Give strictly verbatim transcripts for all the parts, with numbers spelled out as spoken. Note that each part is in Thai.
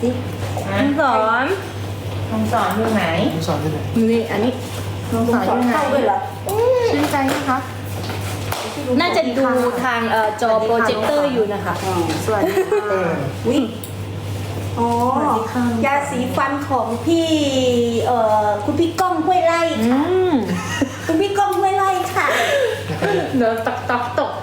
ลุงสอนลุงสอนอยู่ไหนลุงสอนอยู่ไหนนี่อันนี้ลุงสอนอยู่ไหนเข้าด้วยเหรอชื่นใจไหมคะน่าจะดูทางเอ่อจอโปรเจคเตอร์อยู่นะคะสวัสดีค่ะวิอ๋อสวัสดีค่ะยาสีฟันของพี่เอ่อคุณพี่ก้องห้วยไร่อืค่ะมคุณพี่ก้องห้วยไร่ค่ะเดี๋ยวตกตกตก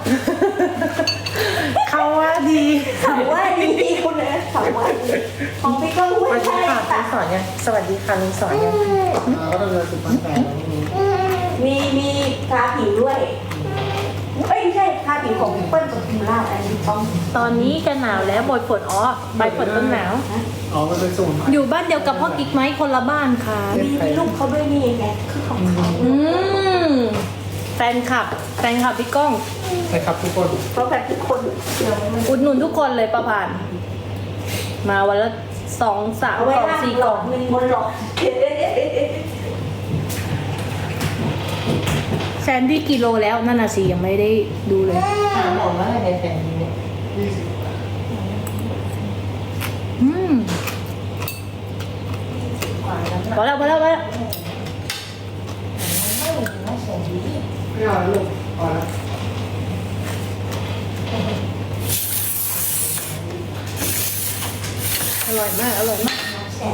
เขาว่าดีเขาว่าดีคุณนะเขาว่าดีของพี่ก้องห้สวยวัสดีไร่ค่ะลุค่ะงสอนยังสวัสดีค่ะลุงสอนยังก็ต้องเรียนสุพรรณแต่แล้วนี่มีมีทาผิวด้วยเอ้ยไม่ใช่ทาผิวของเปิ้ลกับพิมล่าอันนี้ต้องตอนนี้จะหนาวแล้วบอยฝนอ๋อใบฝนต้นหนาวอ๋อมันเป็นสูตรอยู่บ้านเดียวกับพ่อกิ๊กไหมคนละบ้านค่ะมีมีลูกเขาด้วยนี่ไงคือของเขาอืมแฟนคลับแฟนคลับพี่ก้องใช่ครับทุกคนเพราะแบบทุกคนเดี๋ยวมันอุดหนุนทุกคนเลยประพาน มาวันละสองสามเอากไว้ล่องล่างสี่หลกล่ออก งหนึ่งบนหลอกแซนดี้กิโลแล้วนั่นน่ะสิยังไม่ได้ดูเลยถามผมว่าอะไรในแฟนนี้เนี่ยอืมขวานน้ำหพอนักแล้วพอแล้วพอแล้วไม่เสียดีไม่เอาลูกเอาละอร่อยมากอร่อยมาก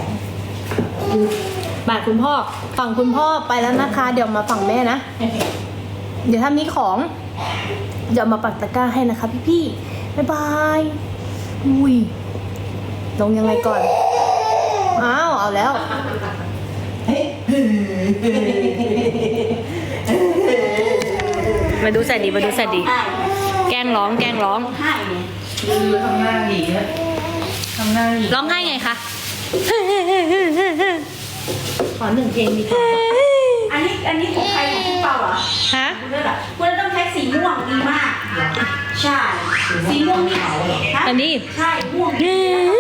บาทคุณพ่อฝั่งคุณพ่อไปแล้วนะคะ เดี๋ยวมาฝั่งแม่นะ เดี๋ยวถ้ามีของ เดี๋ยวมาปักตะกร้าให้นะคะพี่ๆบ๊ายบายอุ้ยลงยังไงก่อนอ้าวเอาแล้ว มาดูแสนดีมาดูแสนดี แกล้งร้องแกล้งร้องให้เนี่ยดูทำหน้าหยีนะทำหน้าหยีร้องไห้ไงคะ ขอหนึ่งเพลงดีกว่าอันนี้อันนี้ของใครของพี่เปาเหรอฮะคุณด้วยเหรอคุณต้องใช้สีม่วงดีมาก ใช่ สีม่วงนี่ฮะอันนี้ใช่ม่วงนี่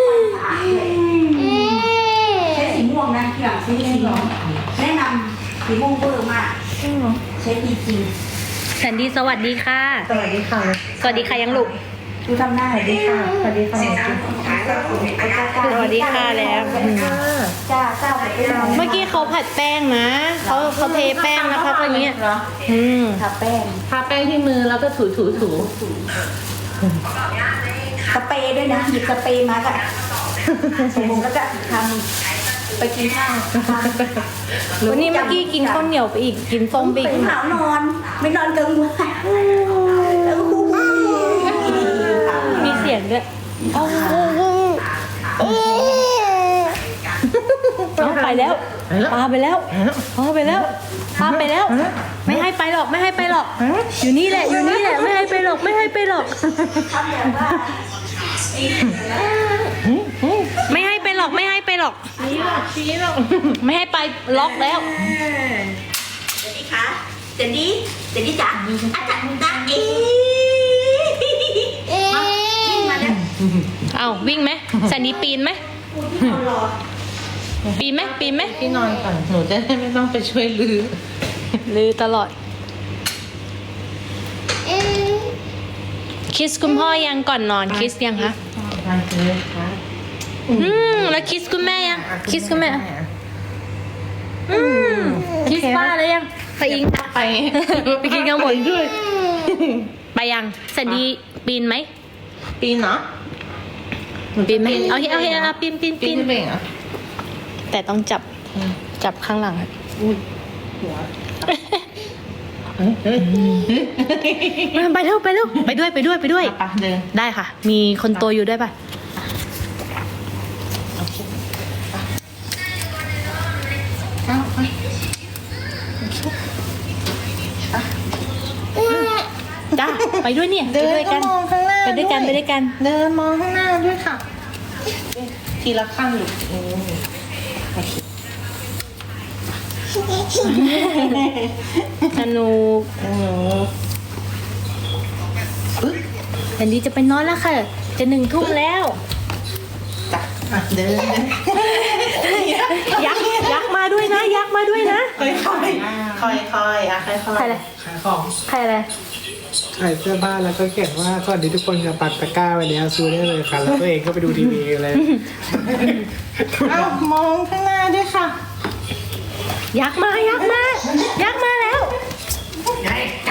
ใช้สีม่วงนะทีหลังซื้อสีม่วงแนะนำสีม่วงเบอร์มาก ใช้ดีจริงแสนดีสวัสดีค่ะสวัสดีค่ะสวัสดีค่ะยังลูกดูทำหน้าสวัสดีค่ะสวัสดีค่ะสวัสดีค่ะแล้วจ้าจ้าไปเป็นเมื่อกี้เขาผัดแป้งนะเขาเขาเทแป้งนะคะตอนนี้เหรออืมทาแป้งทาแป้งที่มือแล้วก็ถูถูถูสเปรย์ด้วยนะหยิบสเปรย์มาก็ผมแล้วก็ทำไปกินข้าวทำวันนี้เมื่อกี้กินข้าวเหนียวไปอีกกินส้มไปอีตื่กนหาวนอน ไม่นอนกลางวันแล้วก็มีเสียงด้วยเอาไปแล้วปาไปแล้วปาไปแล้วปาไปแล้ว ไม่ให้ไปหรอกไม่ให้ไปหรอก อยู่นี่แหละอยู่นี่แหละไม่ให้ไปหรอกไม่ให้ไปหรอกทำแบบว่าไม่ให้ไปหรอกไม่ให้ไปหรอกชี้หรอกชี้หรอกไม่ให้ไปล็อกแล้วเดี๋ยวนี้คะเดี๋ยวนี้เดี๋ยวนี้จ๋าอาจารย์ตาเอ๋มาวิ่งมาเนี่ยเอาวิ่งไหมแซนดี้ปีนไหมพูดที่นอนรอปีนไหมปีนไหมพี่นอนก่อนหนูจะได้ไม่ต้องไปช่วยลือลือตลอดคิสคุณพ่อยังก่อนนอนคิสยังคะทานเลยค่ะอืมแล้วคิสคุณแม่ยังคิสคุณแม่อืมคิสป้าแล้วยังไปอิงไปไปกินข้าวหมดด้วยไปยังแซนดี้ปีนไหมปีนเนาะปีนไหมเอาเอาเอาเอาปีนปีนปีปีนนเป็นเหรอแต่ต้องจับจับข้างหลังอะหัวไปเร็วไปเร็วไปด้วยไปด้วยไปด้วยปะเดินได้ค่ะ มีคนโตอยู่ด้วยป่ะเอาไปจ้าไปด้วยเนี่ยไปเดินด้วยก็กันมองข้างหน้าไปด้วยกันไปด้วยกันเดินมองข้างหน้าด้วยค่ะ ทีละขั้นลูกอืมโอเคสนุกอืมแซนดี้จะไปนอนแล้วค่ะ จะหนึ่งทุ่มแล้วจ้ะอ่ะเดินเดินยักษ์ยักษ์มาด้วยนะ ยักษ์มาด้วยนะค่อยค่อยค่อยค่อยๆอ่ะค่อยค่อยใครอะไรขายของใครอะไรคถ่ายเสื้อผ้าแล้วก็เขียนว่าสวัสดีทุกคนกับปักตะกร้าไว้แล้วซื้อได้เลยค่ะแล้วตัวเองก็ไปดูทีวีเลยเอามองข้างหน้าด้วยค่ะยักษ์มายักษ์มายักษ์มาแล้วแห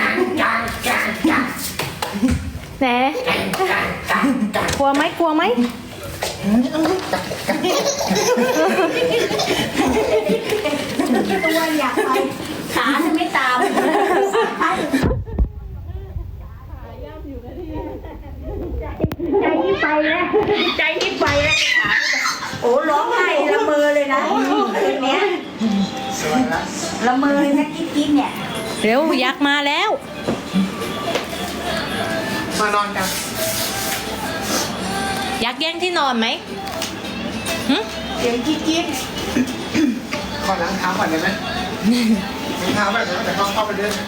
นกลัวไหมกลัวไหมตัวอยากไปขาจะไม่ตาม ใจที่ไปแล้วใจที่ไปแล้วโอ้ร้องไห้ละเมอเลยนะคืนเนี้ยละเมอเลยนะกิ๊กกิ๊กเนี่ยเร็วยักษ์มาแล้วมานอนกันยักษ์แย่งที่นอนไหมหึเสียงกิ๊กกิ๊กขอล้างเท้าก่อนได้ไหมล้างเท้าแบบนี้แต่เข้าเข้าไปเดิน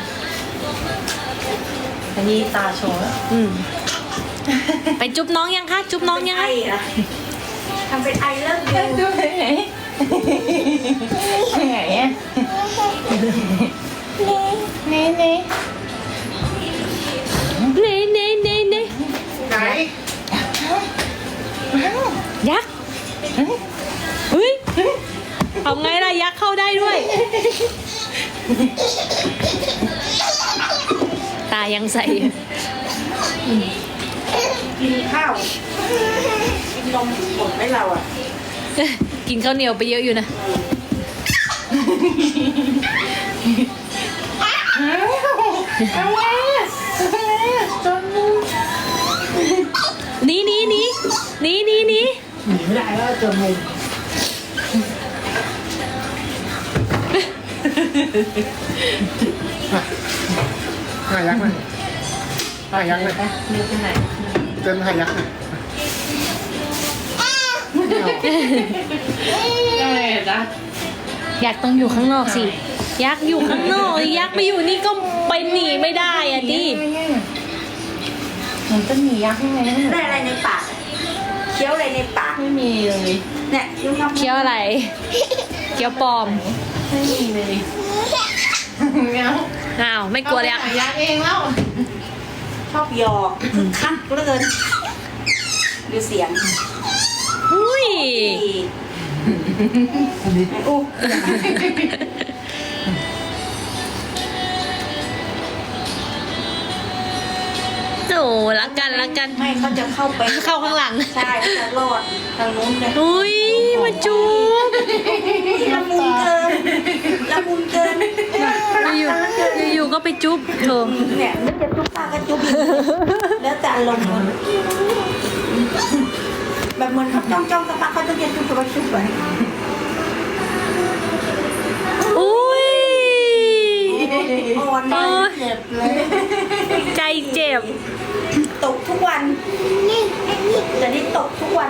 อันนี้ตาโชว์แล้วอืมไปจุ๊บน้องยังคะจุ๊บน้องยังไอคะอะทำเป็นไอเลิกเดียวดูไหนไหนไหนอ่ะนี่นี่เน่เน่เน่เน่ไหนยักษ์เฮ้ยเอาไงล่ะยักษ์เข้าได้ด้วย ตายังใส่กินข้าวกินนมหมดไหมเราอ่ะกินข้าวเหนียวไปเยอะอยู่นะเอาไว้จนหนีหนีหนีหนีหนีหนีหนีไม่ได้แล้วเจอมุมหายักษ์หน่อยหายักษ์หน่อยมีที่ไหนเจอหายักษ์หน่อยอะไรจ๊ะยักษ์ต้องอยู่ข้างนอกสิ ยักษ์อยู่ข้างนอก ยักษ์ไปอยู่นี่ก็ไปหนีไม่ได้อะดิเหมือนจะหนียักษ์ยังไงได้อะไรในปากเคี้ยวอะไรในปากไม่มีเลยเนี่ยเคี้ยวทำเคี้ยวอะไร เคี้ยวปลอมไม่มีเลยเงี้ยอ้าวไม่กลัวยักษ์ยักษ์เองแล้วชอบหยอกคึกคักเหลือเกินดูเสียงอุ้ยอู้โอ้รักกันรักกันไม่เขาจะเข้าไปเข้าข้างหลังใช่เขาจะรอดทางนู้นเลยอุ้ยมาจูบละมุนเกินละมุนเกินอยู่อยู่ก็ไปจุ๊บเธอเนี่ยนึกจะจุ๊บปากก็จุ๊บอีกแล้วแต่อารมณ์มันแบบเหมือนเขาจ้องจ้องๆสักพักเขาต้องจะจุ๊บกับจุ๊บไปอุ้ยอ่อนโอ้นะยเจ็บเลยใจเจ็บตกทุกวันแต่นี่ตกทุกวัน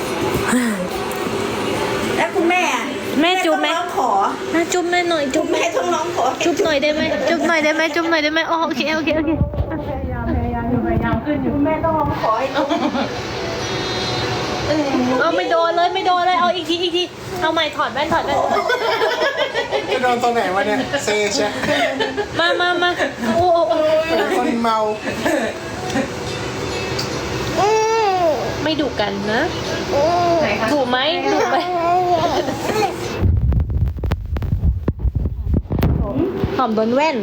แล้วคุณแม่อะแม่จุ๊บไหมต้องร้องขอน่าจุ๊บแม่หน่อยจุ๊บแม่ต้องร้องขอจุ๊บหน่อยได้ไหมจุ๊บหน่อยได้ไหมจุ๊บหน่อยได้ไหมอ๋อโอเคโอเคโอเคพยายามพยายามอยู่พยายามขึ้นอยู่คุณแม่ต้องร้องขอให้ลูกเอาไม่โดนเลยไม่โดนเลยเอาอีกทีอีกทีเอาใหม่ถอดแว่นถอดแว่นจะโดนตัวไหนวะเนี่ยเซชะมามามาโอ้โอ้โอ้คนเมาไม่ดุกันนะไหนคะดุไหมดุไหมหอมโดนแว่น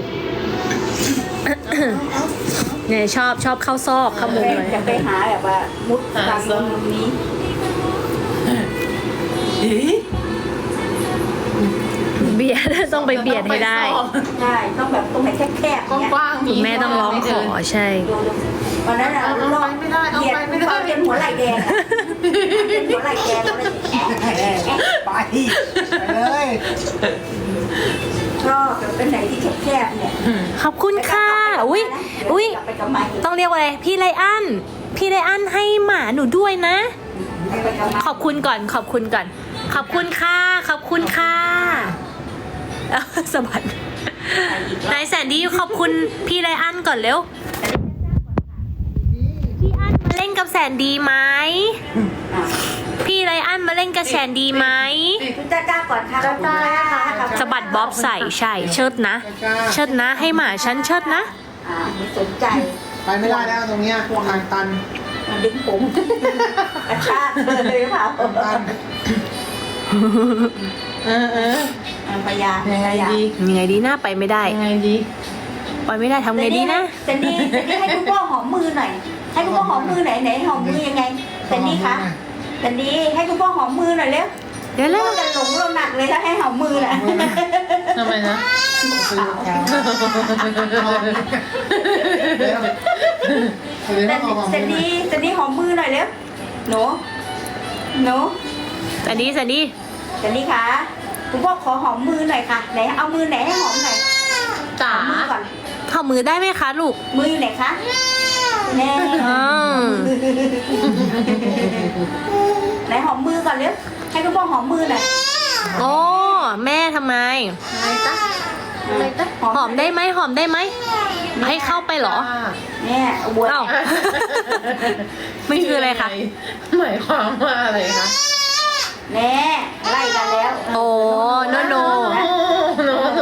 เนี่ยชอบชอบเข้าซอกเข้ามุมเลยจะไปหาแบบว่ามุดทางมุมนี้เบียดต้องไปเบียดให้ได้ใช่ต้องแบบตรงไหนแคบๆกเนี่ยว้างๆคุณแม่ต้องร้องขอใช่ดูดูวันนั้นอะเอารอไปบไม่ได้เอาเหยียดไปไม่ได้จนหัวไหล่แดงอะจนหัวไหล่แดงเลยไปไปเลยชอบแบบเป็นไหนที่แคบๆเนี่ยขอบคุณค่ะ อุ้ยอุ้ยกลับไปกับไม้ต้องเรียกว่าอะไร พี่ไลอัน พี่ไลอันให้หมาหนูด้วยนะไปกับไม้ขอบคุณก่อน ขอบคุณก่อน ขอบคุณค่ะ ขอบคุณค่ะเอาสะบัดนายแสนดีขอบคุณพี่ไลอันก่อนเร็ว พี่อันมาเล่นกับแสนดีไหมอ่ะพี่ไลอันมาเล่นกับแสนดีไหมคุณจ้าจ้าก่อนค่ะจ้าจ้าค่ะสะบัดบ๊อบใส่ใช่ เชิดนะ เชิดนะ ให้หมาฉันเชิดนะออ่าไม่สนใจไปไม่ได้แล้วตรงเนี้ยทางตันมาดึงผมกระชากเลยหรือเปล่าตันเออเอออ่าพยายังไงพยาดียังไงดีนะไปไม่ได้ยังไงดีไปไม่ได้ทำไงดีนะแต่นี่แต่นี่ให้คุณพ่อหอมมือหน่อย ให้คุณพ่อหอมมือไหนไหนหอมมือยังไงแต่นี่คะแต่นี่ให้คุณพ่อหอมมือหน่อยเร็วเดี๋ยวแล้วพ่อจะหลงเราหนักเลยถ้าให้หอมมือน่ะทำไมนะแต่แต่นี่แต่นี่หอมมือหน่อยเร็วหนูหนูสันดีสันดีแต่นี่คะคุณพ่อขอหอมมือหน่อยค่ะไหนเอามือไหนให้หอมหน่อยจ๋าหอมมือก่อนเข้ามือได้ไหมคะลูกมืออยู่ไหนคะแน่อ้าวไหนหอมมือก่อนเร็วให้คุณพ่อหอมมือหน่อยโอ้แม่ทำไมอะไรจ๊ะอะไรจ๊ะหอมได้ไหมหอมได้ไหมให้เข้าไปเหรอแน่บวชอ้าว ไม่คืออะไรคะหมายความว่าอะไรคะแน่ไล่กันแล้วโอ้โนโนโนโน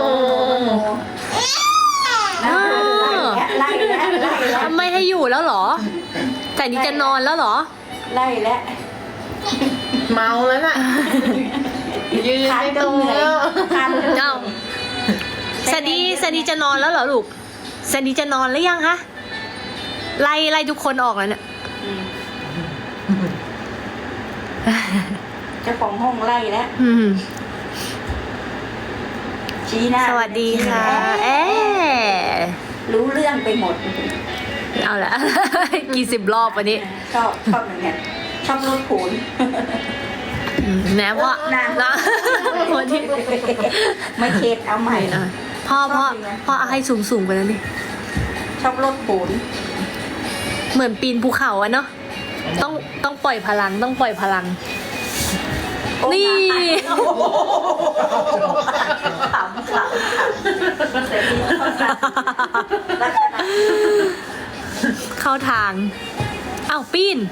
ไล่แล้วไล่แล้วทำไมให้อยู่แล้วเหรอ แต่นี่จะนอนแล้วเหรอไล่แล้วเมาแล้วน่ะยืนคันไม่จตรนงเหนื่อยแล้วคันจนเหนื่เอ้าอยสันดีสันดีจะนอนแล้วเหรอลูกสันดีจะนอนหรือยังคะไล่ไล่ทุกคนออกแล้วเนี่ยอืมเจ้าของห้องไล่แล้วอืมชี้หน้าสวัสดีค่ะ เอ๊ะรู้เรื่องไปหมดเอาละ กี่สิบรอบวันนี้ชอบชอบอย่างเงี้ยชอบรถขูนอืมแม้ว่านะนะวันที่ไม่เข็ดเอาใหม่อ่ะพ่อพ่อพ่อเอาให้สูงสูงๆไปแล้วนี่ชอบรถขูนเหมือนปีนภูเขาอะเนาะต้องต้องปล่อยพลังต้องปล่อยพลัง นี่ขำขำแต่นี่เขาขำลักษณะเข้าทางอ้าวปีน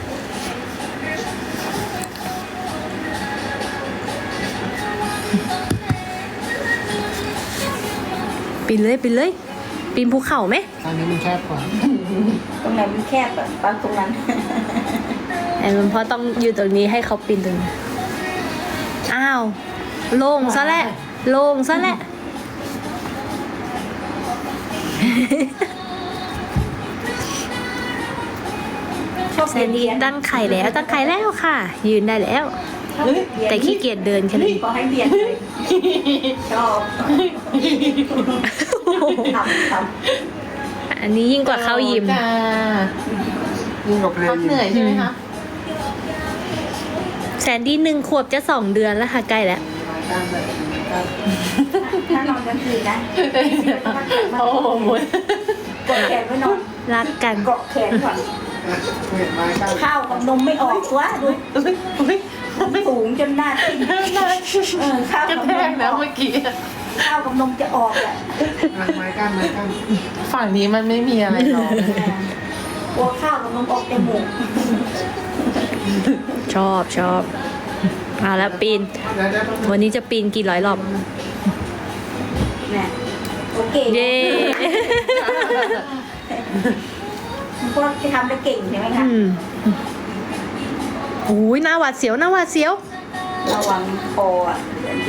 ปีนเลยปีนเลยปีนภูเขาไหมทางนี้มันแคบกว่าตรงไหนมันแคบแบบบางตรงนั้นไอ้มันพ่อต้องอยู่ตรงนี้ให้เขาปีนตรงนี้อ้าวโล่งซะแหละโล่งซะแหละชอบแซเรียนนดี้เรียนตั้งไข่แล้วตั้งไข่แล้วค่ะ ยืนได้แล้ว แต่ขี้เกียจเดินแค่นั้นก็ให้เรียนเลยชอบทำทำอันนี้ยิ่งกว่าเข้ายิมจ้ายิ่งกว่าเพลพักงเหนื่อยใช่ไหมคะแซนดี้หนึ่งขวบจะสองเดือนแล้วค่ะใกล้แล้วถ้านอนกลางคืนนะโอ้โหหมดกดแขนไว้นอนรักกันเกาะแขนก่อนเห็นไม้กั้นข้าวกับนมไม่ออกตัวดูอุ้ยอุ้ยอุ้ยสูงจนหน้าทิ่มเออข้าวกระกับแทนกมนะเมื่อกี้ข้าวกับนมจะออกอ่ะไม้กั้นไม้กั้นฝั่งนี้มันไม่มีอะไรหรอกกลัวข้าวกับนมออกจมูกชอบชอบเอาแล้วปีนแล้วได้ต้องวันนี้จะปีนกี่ร้อยรอบเนี่ยโอเคเย้พวกที่ทำได้เก่งใช่ไหมคะอืมโอ้ยหน้าหวาดเสียวหน้าหวาดเสียวระวังคออ่ะดี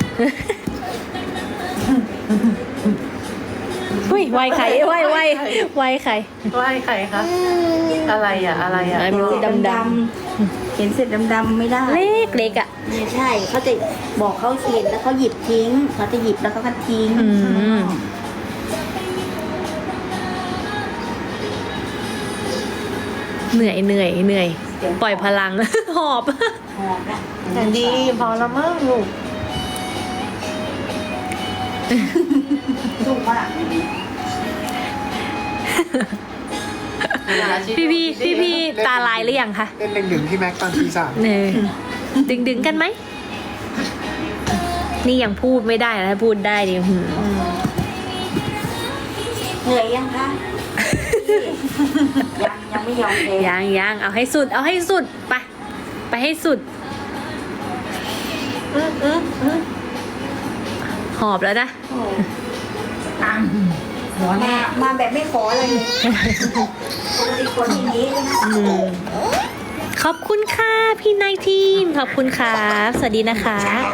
อุ้ยไวไข่ไวไวไวไข่ไหว้ใครคะ อะไรอ่ะ อะไรอ่ะอะไรไม่รู้ดำดำๆเห็นเสร็จดำๆไม่ได้เล็กเล็กอ่ะไม่ใช่เขาจะบอกเขาเห็นแล้วเขาหยิบทิ้งเขาจะหยิบแล้วเขาก็ทิ้งอืมเหนื่อยเหนื่อยเหนื่อย ปล่อยพลัง หอบหอมละแต่ดีพอแล้วมั้งลูกดุมากพี่พี่พี่พี่ตาลายหรือยังคะเล่นหนึ่งหนึ่งที่แม็กตอนทีสามเนยดึงดึงกันไหม นี่ยังพูดไม่ได้นะพูดได้ดิหืมเหนื่อยยังคะ ยังยังไม่ยอมเลยยังยังเอาให้สุด เอาให้สุดไปไปให้สุดอืมอืมอืมหอบแล้วนะโอ้ตังร้อนมามาแบบไม่ขออะไรเลยปกติคนอย่างนี้เลยนะอืมขอบคุณค่ะพี่นายทีมขอบคุณครับสวัสดีนะคะ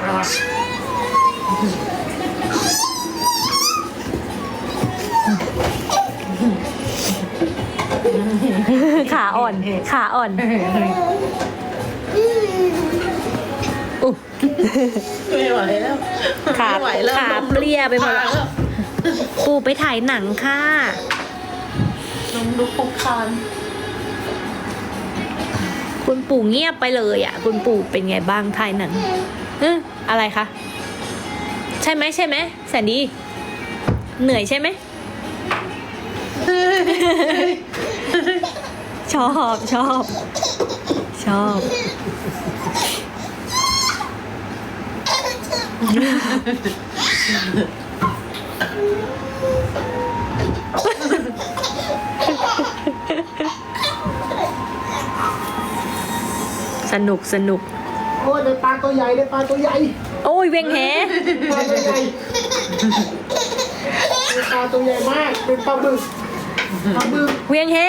ขาอ่อนขาอ่อนอุ๊ยไม่ไหวแล้วขาไม่ไหวแล้วขาเปรี้ยไปหมดแล้ว ปู่ไปถ่ายหนังค่ะลงดูคุกคานคุณปู่เงียบไปเลยอ่ะ คุณปู่เป็นไงบ้างถ่ายหนังเอออะไรคะ ใช่ไหมใช่ไหมแสนดี เหนื่อยใช่ไหม ชอบชอบชอบ สนุกสนุกโอ้ยได้ปลาตัวใหญ่ได้ปลาตัวใหญ่โอ้ยเวียงแหปลาตัวใหญ่ได้ปลาตัวใหญ่มากเป็นปลาบึกปลาบึกเวียงแห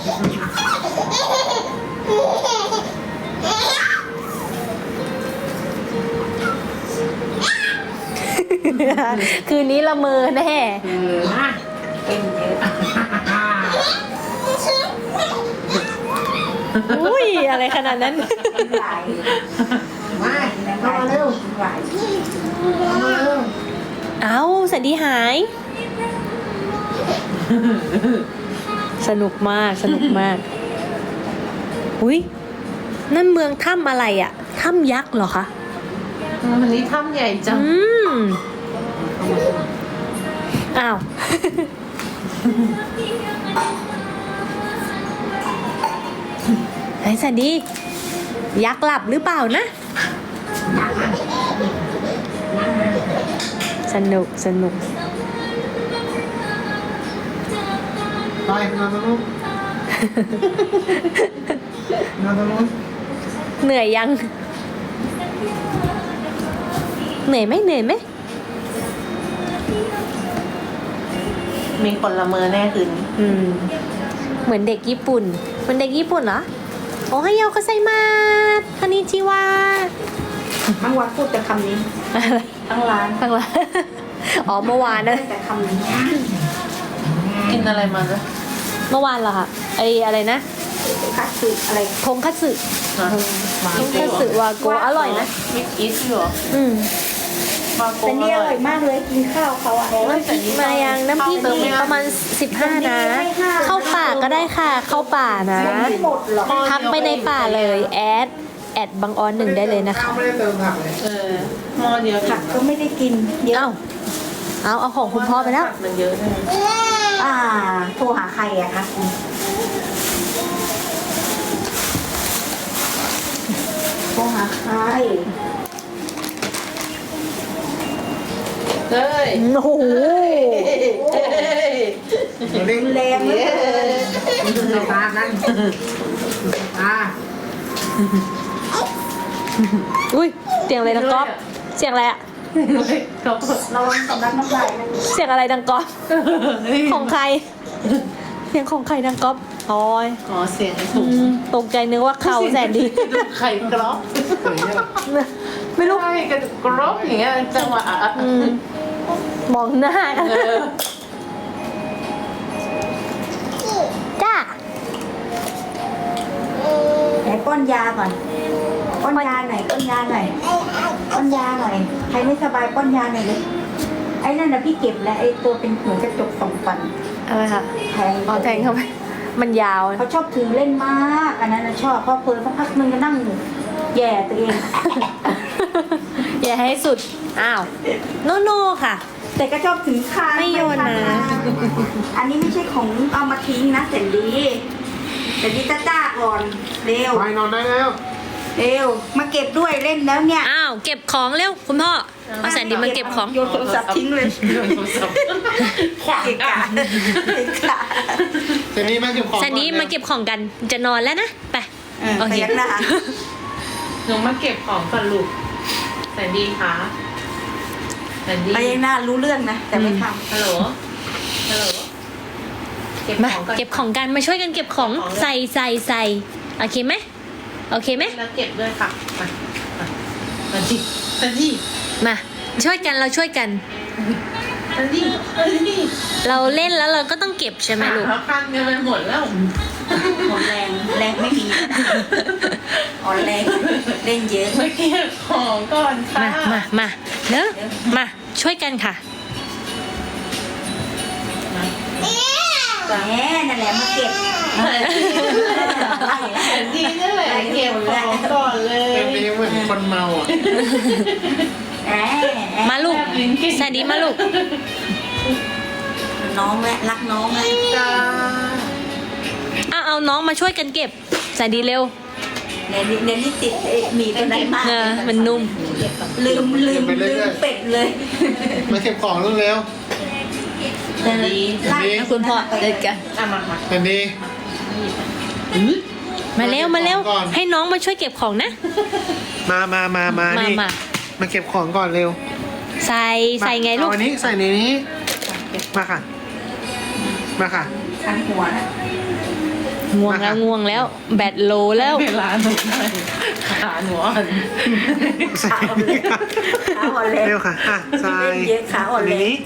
คืนนี้ละเมอแน่เออนะเป็นเยอะอุ้ยอะไรขนาดนั้นหลายมาเข้ามาเร็วหลายเข้ามาเร็วเอาสันดีหาย สนุกมากสนุกมาก อุ้ยนั่นเมืองถ้ำอะไรอะถ้ำยักษ์เหรอคะวันนี้ถ้ำใหญ่จังอืม อ้าว ไอ้สันดี ยักษ์หลับหรือเปล่านะ สนุกสนุกไปนอนตรงนู้นนอนตรงนู้นเหนื่อยยัง เหนื่อยไหมเหนื่อยไหมมีคนละเมอแน่คืนนี้อืม เหมือนเด็กญี่ปุ่นเหมือนเด็กญี่ปุ่นเหรอ โอไฮโอคาไซมาสคานิชิวาทั้งวันพูดแต่คำนี้อะไรทั้งร้านฟังละ อ๋อเมื่อวานนะแต่คำนี้กินอะไรมาจ๊ะเมื่อวานเหรอคะไออะไรนะคัตสึอะไรทงคัตสึฮะมาทงคัตสึวาโกะอร่อยนะมิดอีสอยู่เหรออืมมาโกแต่นี่อร่อยมากเลยกินข้าวเขาอ่ะน้ำพริกมายังน้ำพริกมีประมาณสิบห้านะ เข้าป่าก็ได้ค่ะ เข้าป่านะไม่หมดหรอกทักไปในป่าเลยแอดแอดบังออนหนึ่งได้เลยนะคะไม่ได้เติมผักเลยเออหม้อเดียวผักก็ไม่ได้กินเยอะเอ้าเอาเอาของคุณพ่อไปแล้วผักมันเยอะเลยอ่าโทรหาใครอะคะโทรหาใครเฮ้ยโอ้โหเร่งแรงเลยเอาตานั่นตาอุ้ยเสียงอะไรดังก๊อบเสียงอะไรอะเขาระวังสำลักน้ำลายนะเสียงอะไรดังก๊อบของใคร เสียงของใครดังก๊อบโอ้ยขอเสียงไอ้ถุอืงมตกใจนึกว่าเขาแสนดีดูไข่กรอบไม่รู้ใช่กระดูกกรอบอย่างเงี้ยจังหวะอ่ะอืมมองหน้ากันเออจ้าไหนป้อนยาก่อนป้อนยาหน่อยป้อนยาหน่อยป้อนยาหน่อยใครไม่สบายป้อนยาหน่อยเลยไอ้นั่นนะพี่เก็บแล้วไอ้ตัวเป็นเหมือนกระจกสองฟันอะไรคะแทงอ๋อแทงเข้าไปมันยาวเขาชอบถือเล่นมากอันนั้นนะชอบเพราะเพลินสักพักนึงก็นั่งแย่ตัวเองอย่าให้สุด อ้าว โนโนค่ะแต่ก็ชอบถือคางไม่โยนนะไปคางอันนี้ไม่ใช่ของเอามาทิ้งนะเสร็จดีเสร็จดีจ้าจ้าก่อนเร็วไปนอนได้แล้วเร็วมาเก็บด้วยเล่นแล้วเนี่ยอ้าว เก็บของเร็ว คุณพ่อ เอาแสนดีมาเก็บของโยนโทรศัพท์ทิ้งเลยโยนโทรศัพท์ขวางเกะกักะนเกะกะเจนี่มาเก็บของแสนดีมาเก็บของกัน จะนอนแล้วนะ ไปเออโอพเคยักหน้าหนูมาเก็บของก่อนลูกแสนดีคะแสนดีพยักหน้ารู้เรื่องนะแต่ไม่ทฮัลโหลฮัลโหลเก็บมาของก่อนเก็บของกันมาช่วยกันเก็บของใส่ใส่ใส่โอเคไหมโอเคไหมแล้วเก็บด้วยค่ะมามามาดิมาดิมาช่วยกันเราช่วยกันมาดิมาดิเราเล่นแล้วเราก็ต้องเก็บใช่ไหมลูกขาพันกันไปหมดแล้วหมดแรงแรงไม่มีอ่อนแรงเล่นเยอะมาเก็บของก่อนค่ะมามามาเนอะมาช่วยกันค่ะแหมนั่นแหละมาเก็บดีนั่นแหละเก็บของก่อนเลยเป็นนี้เหมือนคนเมาอ่ะแหมมาลูกแซนดี้มาลูกน้องแหละรักน้องแหละจ้าเอาเอาน้องมาช่วยกันเก็บแซนดี้เร็วเดี๋ยวนี้เดี๋ยวนี้ติดไอ้หมีตัวนั้นมากเออมันนุ่มลืมลืมลืมเป็ดเลยมาเก็บของเร็วดีไล่นะคุณพ่อเดินกันอ่ะมามาๆอันนี้มาเร็วมาเร็วก่อนให้น้องมาช่วยเก็บของนะมามามามามานี่มามาเก็บของก่อนเร็วใส่ใส่ไงลูกเอาอันนี้ใส่ในนี้ มาค่ะ มาค่ะคันหัวนะง่วงแล้วง่วงแล้ว แบตโลแล้วเวลาหนูหน่อยขาหนูอ่อนใส่ในนี้ค่ะขาอ่อนแรงเร็วค่ะ อ่ะใส่เล่นเยอะขาอ่อนในแรงนี้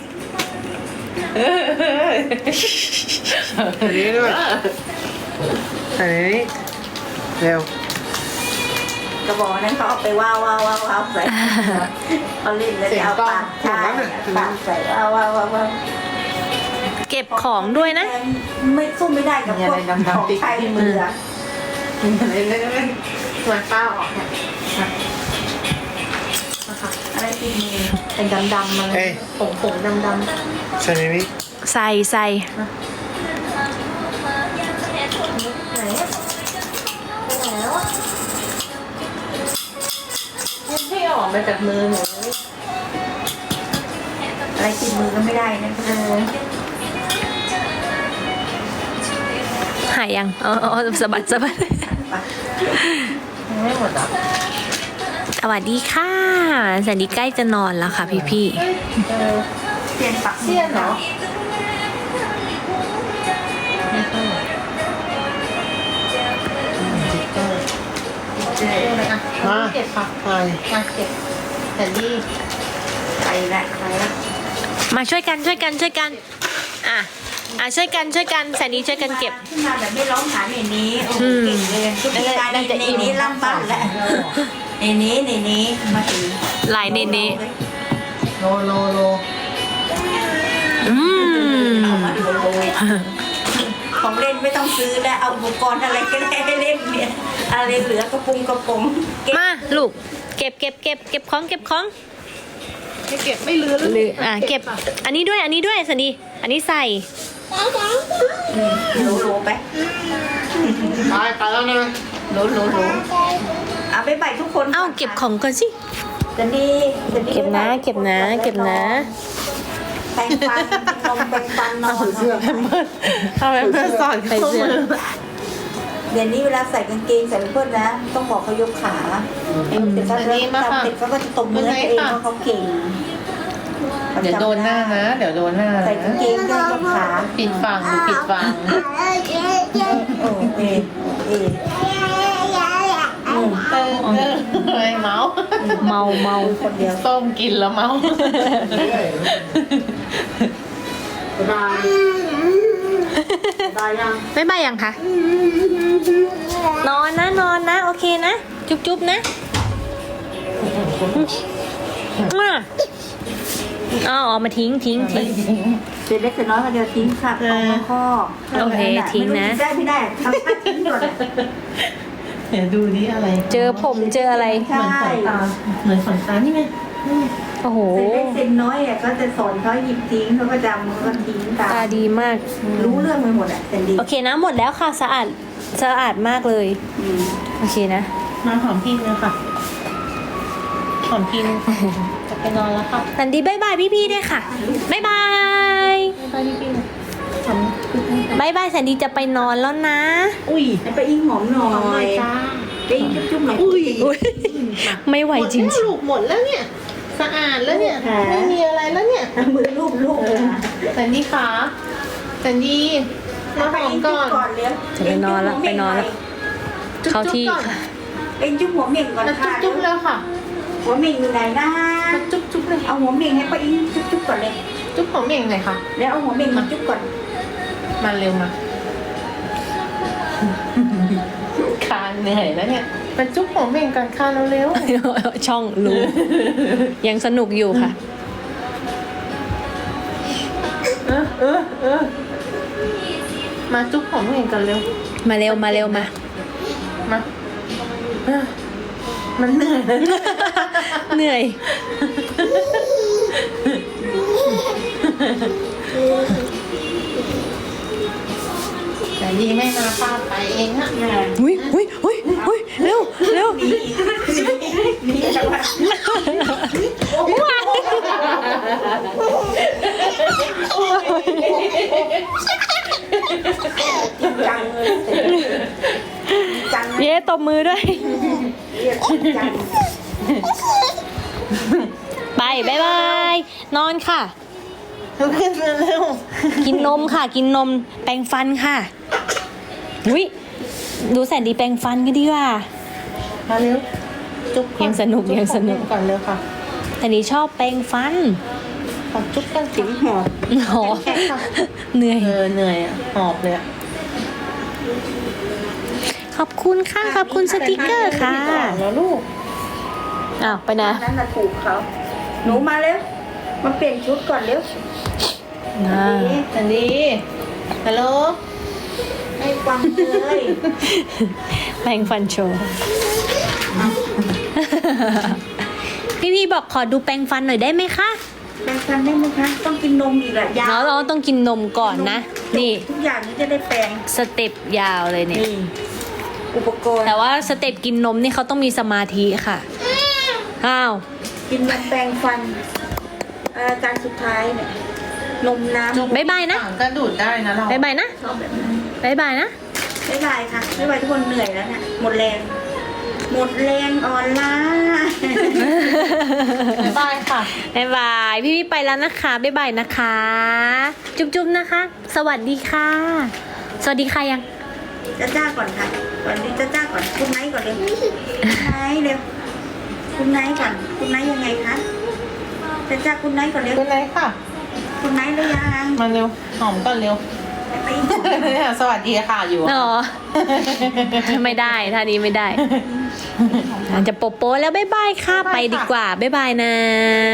ใส่ในนี้ด้วยใส่ในนี้เร็วกระบอกนั้นเขาเอาไปว้าวว้าวว้าวว้าวใส่เขาเล่นแล้วจะเอาปากใช่ปากใส่ว้าวว้าวว้าวว้าวเก็บของด้วยนะไม่สู้ไม่ได้กับพวกของไทยมืออะอะไรเล่นๆส่วนป้าออกเนี่ยมามาค่ะอะไรที่มือเป็นดำๆมาเลเอ้ยยผงผงๆดำใส่ในนี้ใส่ใส่ๆไหนอะไปไหนแล้วอะยังไม่ออกมาจากมือหนูเลยอะไรที่มือก็ไม่ได้นะเออหายยังอ๋ออ๋อสะบัดสะบัดยังไม่หมดอ่ะสวัสดีค่ะแซนดี้ใกล้จะนอนแล้วค่ะพี่พี่เอ้ยเออเปลี่ยนปักเสี้ยนเหรอเก็บค่ะใส่มาเก็บแต่ดีไปละไปละๆมาช่วยกันช่วยกันช่วยกันอ่ะอ่ะช่วยกันช่วยกันแซนดี้ช่วยกันเก็บขึ้นมาแบบไม่ร้องหาในนี้โอ้โหเก่งเลยทุกทีการในนี้ล่ำบ้านแล้วในนี้ในนี้มาถึงลายเนเน่โลโลโลอืมของเล่นไม่ต้องซื้อแล้วเอาอุปกรณ์อะไรก็ได้ให้เล่นเนี่ยอะไรเหลือกระปุงกระป๋องเก็บมาลูกเก็บเก็บเก็บเก็บของเก็บของไม่เก็บไม่ลือหรืออ่ะเก็บอันนี้ด้วยอันนี้ด้วยแซนดี้อันนี้ใส่โหลโหลไปไปไปแล้วนะโหลโหลโหลเอาไปใบทุกคนเอ้าเก็บของก่อนสิจะดีจะดีเก็บนะเก็บนะเก็บนะแปรงฟันนมแปรงฟันนอนทำไมเพื่อนสอนใส่เสื้อเดี๋ยวนี้เวลาใส่กางเกงใส่เพื่อนนะ ต้องบอกเขายกขาเสร็จแล้วทำเสร็จเขาก็จะตบมือให้ตัวเองว่าเขาเก่งเดี๋ยวโดนหน้านะ เดี๋ยวโดนหน้าใส่กางนะเกงด้วยยกขาปิดฝั่งหรือปิดฝั่งโอ้เอเออืมเออเออไอ้เมาส์เมาเมาคนเดียวส้มกินแล้วเมาส์บ๊ายบายบ๊ายบายยังไม่บายยังคะนอนนะนอนนะโอเคนะ จุ๊บจุ๊บนะมาอ๋อเอามาทิ้งทิ้งทิ้งเสร็จเล็กเสร็จน้อยก็เดียวทิ้งค่ะเอามาข้อโอเคทิ้งนะไม่รู้ได้ไม่ได้ทำท่าทิ้งก่อนเดี๋ยวดูนี่อะไรเจอผมเจออะไรใช่เหมือนขนตานี่ไงโอ้โหเสร็จเล็กเสร็จน้อยอ่ะก็จะสอนเขาหยิบทิ้งเขาก็จำเขาก็ทิ้งตาตาม ดีมากรู้เรื่องไปหมดอ่ะแต่ดีโอเคนะหมดแล้วค่ะสะอาดสะอาดมากเลยอืมโอเคนะมาหอมพี่เลยค่ะหอมพี่จะไปนอนแล้วค่ะสันดีบายบายพี่ๆด้วยค่ะบายบายไปพี่พี่หอมบายบายสันดีจะไปนอนแล้วนะอุ้ยไปอิงหอมหน่อหอมหน่อยยจ้าไปอิงจุ๊บๆหน่อยอุ้ยอุ๊ยไม่ไหวจริงหมดแล้วลูกหมดแล้วเนี่ย สะอาดแล้วเนี่ย ไม่มีอะไรแล้วเนี่ยมือรูปลูกเลยสันดีขาสันดีสัมาหอมก่อนก่อนเลี้ยงจะไปนอนละไปนอนละ เข้าที่จุ๊บๆก่อนค่ะเอ็งจุ๊บหัวเหม่งก่อนมาค่ะจุ๊บๆแล้วค่ะหัวเหม่งอยู่ไหนนะมาจุ๊บๆเลยเอาหัวเหม่งให้ป้าอิงจุ๊บๆก่อนเลยจุ๊บของเม่งหน่อยค่ะแล้วเอาหัวเหม่งมาจุ๊บก่อนมาเร็วมาคานเหนื่อยแล้วเนี่ยมาจุ๊บของเม่งก่อนคานเร็วช่องรู้ ยังสนุกอยู่ค่ะๆเออเออเออมาจุ๊บของเม่งก่อนเร็วมาเร็วมาเร็วมามาเออมันเหนื่อยแล้วเหนื่อยแต่ดีไม่มาพาไปเองอะอุ้ยอุ้ยอุ้ยอุ้ยเร็วเร็วนี่จังหวะจังเลยจังเลยเย้ตบมือด้วยเรียกจังไปบายบาย นอนค่ะขึ้นมาเร็วกินนมค่ะ กินนม แปรงฟันค่ะ อุ้ยดูแสนดีแปรงฟันกันดีกว่ามาเร็วจุ๊บก่อยังสนุกจุ๊บยังสนุกของเม่ก่อนเร็วค่ะแต่นี้ชอบแปรงฟันขอจุ๊บกันถึงหอบหอเหนื่อยเออเหนื่อยอะหอบเลยอะขอบคุณค่ะ ขอบคุณสติกเกอร์ค่ะแล้วลูกอ้าว ไปนะนั่นน่ะถูกเขาหนูมาเร็วมาเปลี่ยนชุดก่อนเร็วอ่าสันดีฮัลโหลให้ฟังเลยแปรงฟันโชว์ พี่พี่บอกขอดูแปรงฟันหน่อยได้ไหมคะแปรงฟันได้ไหมคะต้องกินนมอีกอะยาเราวเราต้องกินนมก่อนนะ นี่ทุกอย่างนี้จะได้แปรงสเต็ปยาวเลยเนี่ยนี่อุปกรณ์แต่ว่าสเต็ปกินนมนี่เขาต้องมีสมาธิค่ะ อ้าวกินนมแปรงฟันอาการสุดท้ายเนี่ยนมน้ำบ๊ายบายนะปากก็ดูดได้นะเราบ๊ายบายนะชอบแบบนั้นบ๊ายบายนะบ๊ายบายค่ะบ๊ายบายทุกคนเหนื่อยแล้วเนี่ยหมดแรง หมดแรงอ่อนล้าบ๊ายบายค่ะบ๊ายบาย พี่พี่ไปแล้วนะคะ บ๊ายบายนะคะ จุ๊บจุ๊บนะคะ สวัสดีค่ะ สวัสดีค่ะยังจ้าจ้าก่อนค่ะก่อนนี้จ้าจ้าก่อนคุณไนท์ก่อนเลยคุณไนท์เร็วคุณไนท์ก่อนคุณไนท์ยังไงคะจ้าจ้าคุณไนท์ก่อนเร็วเป็นไรค่ะคุณไนท์หรือยังมาเร็ว หอมก่อนเร็วไปสวัสดีค่ะอยู่อ๋อ ไม่ได้ท่านี้ไม่ได้อาจจะโปโปะแล้วบ๊ายบายค่ะ ไปดีกว่า บ๊ายบายนะ